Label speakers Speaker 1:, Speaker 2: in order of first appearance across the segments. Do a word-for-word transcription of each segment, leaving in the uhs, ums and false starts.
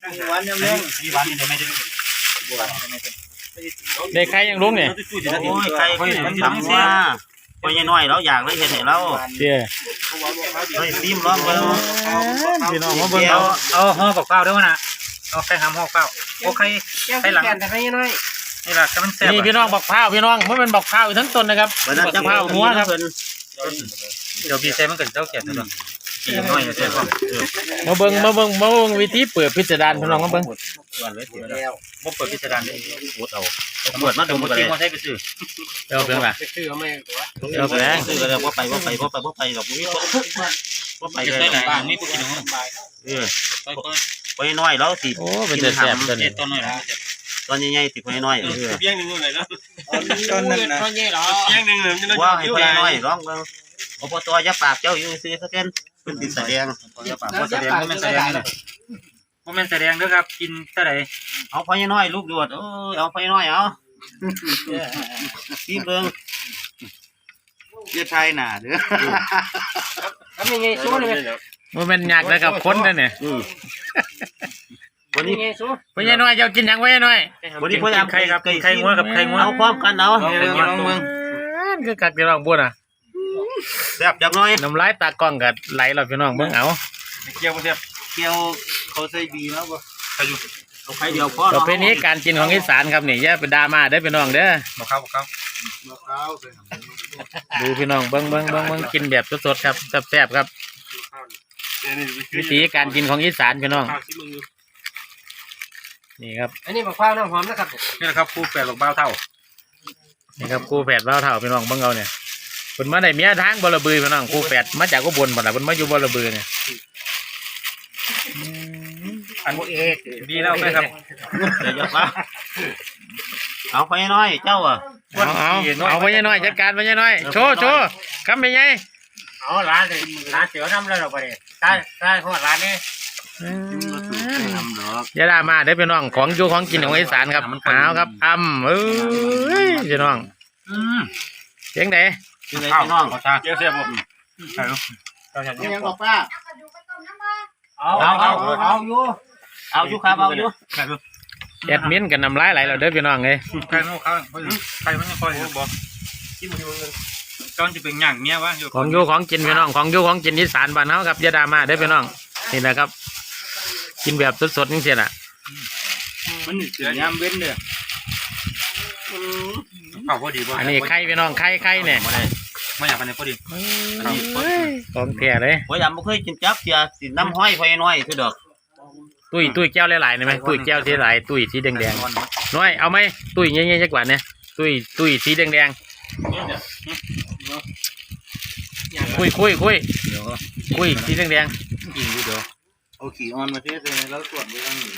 Speaker 1: หวานยังเลี้ยงมีหวานยังไม่ได้
Speaker 2: ได้ใครยังลุงเนี่ย
Speaker 3: โอ้ยใครมันทำว่าพอยังน้อยเราอยากเลยเห็นเรา
Speaker 2: เดี๋ยว
Speaker 3: เฮ้ยซิมร้องเบิ้ง
Speaker 2: พี่น้องมาเบิ้ง
Speaker 4: เอาเอาห่อกับข้าวด้วยนะเอาไข่หำห่อข้าวโอ้ไข่ไข่หลังแต่ไข่น้อยนี่แหละก็มันแซ่บ
Speaker 2: นี่พี่น้องบอกข้าวพี่น้องมันเป็นบอกข้าวทั้งต้นนะครับบอกข้าวหัวครับ
Speaker 4: เดี๋ยวพี่เซ่มันก็เจ้าเกียรติตัวกินน้อยเซ่ก็
Speaker 2: มาเบิ้งมาเบิ้งมาเบิ้งวิธีเปิดพิสดารพี่น้องมาเบิ้ง
Speaker 4: บ่เปิดพิสดารเลยปวดเอา
Speaker 3: ปวดมาดูมา
Speaker 4: จริงว่าใช้ไปซื้อ
Speaker 2: เดี๋ยวเพิ่งล่ะ
Speaker 1: ซื้อเอาไม่ตัว
Speaker 2: เดี๋ยวแสดง
Speaker 3: ซื้อแล้วว่าไปว่าไปว่าไปว่าไปหรอกมีว่าไปเลย
Speaker 4: บ้านมีผู้กินของ
Speaker 3: เออไปน้อยแล้วสิ
Speaker 2: โอ้เป็นแต่แซ่บตัวนี้
Speaker 4: ต้นน้อยนะ
Speaker 3: ตอนใหญ่ๆสิไปน้อยเออ
Speaker 1: เพียงหนึ่งเลยนะตอนนั้นนะเพียงหนึ่งเลย
Speaker 3: ว่าให้ไปน้อยร้องเบิ้งอบตยาปากเจ้าอยู่ซื้อสักเกินเป็นติดแสดง
Speaker 4: ยาปากว่าแสดงว่ามันแสดงเลยว่ามันแสดงด้วยครับกินเท่าไหร่
Speaker 3: เอาพอน้อยลูกดวดเออเอาพอน้อยเอาที่เบิ้งเจ้าชายหนาเด้อ
Speaker 1: ทำยังไงสู้เลย
Speaker 2: มันเป็นยากเลยกับคนนั่นเนี่ย
Speaker 3: วันนี้
Speaker 2: พ่อใหญ่น้อยเจ้ากินยังพ่อใหญ่น้อย
Speaker 3: วันนี้พ่อยัง
Speaker 4: ไข่ครับไข่งัวกับไข่งัว
Speaker 3: เอาพร้อมกันเอา
Speaker 2: ลองเมืองคือกัดพี่น้องบุญอ่ะ
Speaker 3: แซ่บจังเลย
Speaker 2: น้ำลายตากล้องกัดไหลเราพี่น้องเบิ่งเอา
Speaker 4: เกี่ยวบ่แซ่บ
Speaker 3: เกี่ยวเขาใส่บีแล้วบ่ใครอยู่เอาใครเดียวพอ
Speaker 2: ต่อไปนี้การกินของอีสานครับนี่อย่าไปดราม่าได้พี่น้องเด้อ
Speaker 4: บ่เข้าบ่เข้า
Speaker 2: ดูพี่น้องเบิ่งเบิ่งเบิ่งเบิ่งกินแบบสดๆครับแซ่บๆครับวิธีการกินของอีสานพี่น้องนี่ครับ
Speaker 1: อันนี้มะพร้าวน้ำหอมนะครับ
Speaker 4: นี่แหละครับคู่แฝดหลงเบ้าเท่า
Speaker 2: นี่ครับคู่แฝดเบ้าเท่าพี่น้องเบิ่งเอาเนี่ยเพิ่นมาได้เมียทางบ่ระบือพี่น้องคู่แฝดมาจากอุบลบ่ล่ะเพิ่นมาอยู่บ่ระบือเนี่ย
Speaker 4: อันเอกดีแล้วไหมครับ
Speaker 3: เดี๋ยวจะมาเอาไปน้อยเจ้าอ่ะ
Speaker 2: เอาเอาเอาไปน้อยจัดการไปน้อยโชว์โชว์คำไปไง
Speaker 1: เอาร้านเลยร้านเสือน้ำเลยเราไปเลยใช่ใช่ของร้านนี้
Speaker 2: ยาดามาได้เป็นน้องของอยู่ของกินของอีสานครับเอาครับอ้ำเอ้ยพี่น้องเสียงไหน
Speaker 3: เสียงไหนพี่น้อง
Speaker 4: เสียงเสียงผมใช่ลูก
Speaker 1: ยังบอกป้า
Speaker 3: เอาเอาเอาเอาอยู่เอาอยู่ครับเอาอยู่
Speaker 2: แอดมินกันน้ำลายไหลเราเด้อพี่น้องเลย
Speaker 4: ใครโน้เขาใครมันยังคอยบอกที่มันตอนจะเป็นอย่างเงี้ยวะ
Speaker 2: ของอยู่ของกินพี่น้องของอยู่ของกินอีสานบ้านเฮาครับยาดามาได้พี่น้องนี่นะครับกินแบบสดๆนี่เสียน่ะ
Speaker 4: มันเสียยามเว้นเลยเอาพอดี
Speaker 2: อันนี้ไข่พี่น้องไข่ไข่เนี่ย
Speaker 4: ไม่อยากไปไหนพอดี
Speaker 2: ของแท้เลย
Speaker 3: พอยำไม่เคยกินจับเสียสีน้ำห้อยพอยน้อยคือดอก
Speaker 2: ตุ้ยตุ้ยแก้วหลายๆได้ไหมตุ้ยแก้วสีหลายตุ้ยสีแดงๆน้อยเอาไหมตุ้ยเงี้ยๆจักกว่าเนี่ยตุ้ยตุ้ยสีแดงๆคุยคุยคุยคุยสีแดงๆ
Speaker 3: กินดูเดี๋ยวเอาขี่ออนมาเทสเลยแล้วตรวจไปทางนี้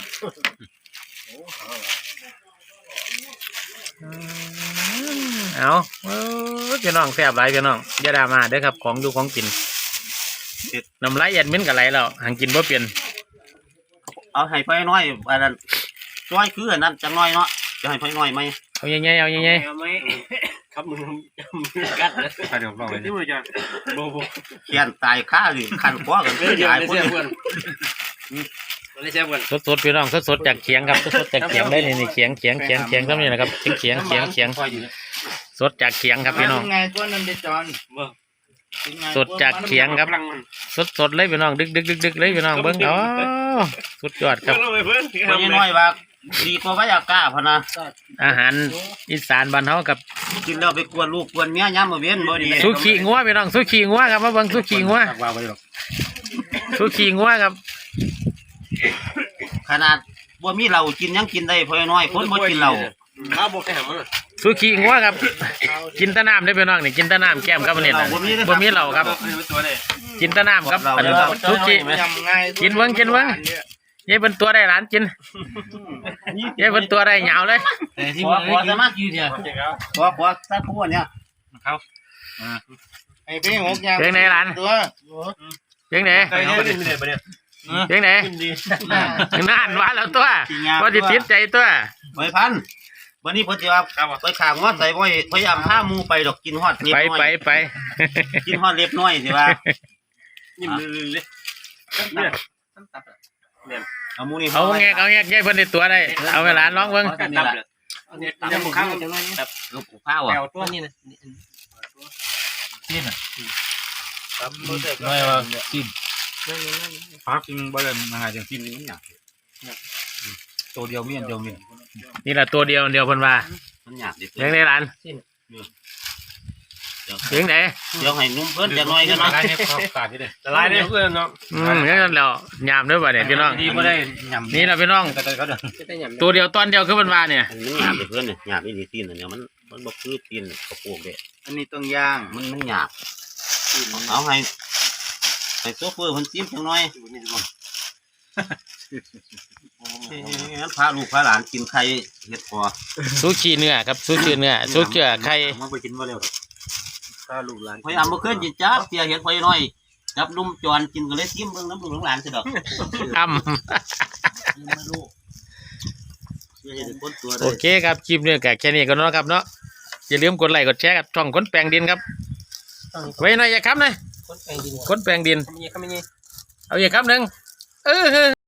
Speaker 2: เอาพี่น้องแซ่บหลายพี่น้องยาดามาเด้อครับของดูของกินน้ำลายเย็นมิ้นกับไหลแล้วหางกินบ่เปลี่ยน
Speaker 3: เอาให้พอยน้อยอันนั้นน้อยคืออันนั้นจังน้อยเนาะจะให้พอยน้อยไหม
Speaker 2: เอาใหญ่ๆเอาใหญ่
Speaker 1: ๆครับมึงกัดเลย
Speaker 4: เดี๋ยวบอกเลย
Speaker 1: ที่มือจะโบโบ
Speaker 3: เขียนตายข้าหรือขันคว้ากัน
Speaker 1: เลยตายเพื่อนเพื่อน
Speaker 2: สดๆพี่น้องสดๆจากเขียงครับสดๆจากเขียงได้นี่เขียงเขียงเขียงเขียงก็มีนะครับเขียงเขียงเขียงเขียงสดจากเขียงครับพี่น้องสดจากเขียงครับสดๆเลยพี่น้องดึกดึกดึกดึกเลยพี่น้องเบิ้งอ๋อสุดยอดครับ
Speaker 3: พอยน้อยว่าดีกว่าพยากาพนะ
Speaker 2: อาหารอีสานบ้านเฮากับ
Speaker 3: กินแล้วไปกวนลูกกวนเมียย้ำมาเวียนบ่ดี
Speaker 2: สุขีงัวพี่น้องสุขีงัวครับมาเบิ้งสุขีงัวสุขีงัวครับ
Speaker 3: ขนาดบ่มีเรากินยังกินได้พอน้อยคนบ่กินเรา
Speaker 2: สุขีงัวครับกินตะน้ำได้พี่น้องนี่กินตะน้ำแก้มครับเนี่ยบ่มีเราครับกินตะน้ำครับสุขีกินเบิ้งกินเบิ้งยัยเป็นตัวได้หลานกินยัยเป็นตัวได้เหงาเลย
Speaker 3: ขอขอสามารถยืดเนี่ยขอขอสักขวดเนี่ย
Speaker 4: เขา
Speaker 1: ไอ้พี่หกยาง
Speaker 2: เพียงไหนหลานเพียงไหนเพียงไหนนานวะแล้วตัวว่าติดติดใจตัว
Speaker 3: ไม่พันวันนี้พอดีว่าไปขางว่าใส่ไว้พยายามห้ามูไปดอกกินฮอดเล็บน้อย
Speaker 2: ไปไปไป
Speaker 3: กินฮอดเล็บน้อยสิว่า
Speaker 1: ยิ้มเลยเนี่ย
Speaker 3: อเอาหมูนี่
Speaker 2: เอาแงกเอาแงกใหญ่เพิ่นได้ตัวได้เอาเวลาลองเบิ่ง
Speaker 3: นี่แหละ
Speaker 1: เดี๋ยวมึงข้างแบบ
Speaker 3: ลูกข้าวอ่ะ
Speaker 1: แปวตัวนี้นะ
Speaker 4: ไม่ว่ากินพักกินบ่เลยมาหาจังกินนี่มันหยังตัวเดียวมีอันเดียวมี
Speaker 2: นี่แหละตัวเดียวเดียวเพิ่นว่า
Speaker 3: มันหยาบดิ
Speaker 2: เลี้ยงในร้านเลี้ยงไหน
Speaker 3: เดี๋ยวให้นุ่มเพิ่นจะน้อยกัน
Speaker 4: ละ
Speaker 3: นะ
Speaker 4: ลายเนี่ยขาดที่เด้
Speaker 1: ละลายเนี่ยเพื่อนเนาะ
Speaker 2: อืมเลี้ยงนั่นแล้วยามเด้อบ่เนี่ยพี่น้อง
Speaker 4: ดีบ่ได้ยำ
Speaker 2: นี่ล่ะพี่น้อง
Speaker 4: แต่เขาเด้อ
Speaker 2: ตัวเดียวตอนเดียวคือเพิ่นว่าเนี่ย
Speaker 3: มันหยาบดิเพิ่นเนี่ยหยาบอีนี่ตีนเนี่ยมันมันบ่คือตีนกระโปงเด้
Speaker 4: อันนี้ต้องย่าง
Speaker 3: มันมันหยาบเอาให้ให้โซเฟอร์เพิ่นจิ้มจังน้อยงั้นพาลูกพาหลานกินไข่เห็ดพอ
Speaker 2: ซูชิเนื้อครับซูชิเนื้อซูชิไข่
Speaker 3: มันไปกินบ่เร็ว
Speaker 4: ถ้าลูกหลาน
Speaker 3: พยายามบ่เคยกินจ้าเสียเห็ดพอน้อยจับนุ่มจอนกินก็เลยซิมเบิ่งน้ำลูกหลานสิดอก
Speaker 2: อ้ำ
Speaker 3: ไม่รู้เสียเห็ดคนตัว
Speaker 2: โอ
Speaker 3: ได้
Speaker 2: เคครับคลิปนี้ก็แค่นี้ก็เนาะครับเนาะอย่าลืมกดไลค์กดแชร์กับช่องคนแปลงดินครับไว้หน่อยอย่าค้ำนะ
Speaker 1: คนแปลงดิน
Speaker 2: คนแปลงดิน
Speaker 1: ทำยังไงทำยังไง
Speaker 2: เอาอย่าค้ำหนึ่งเออ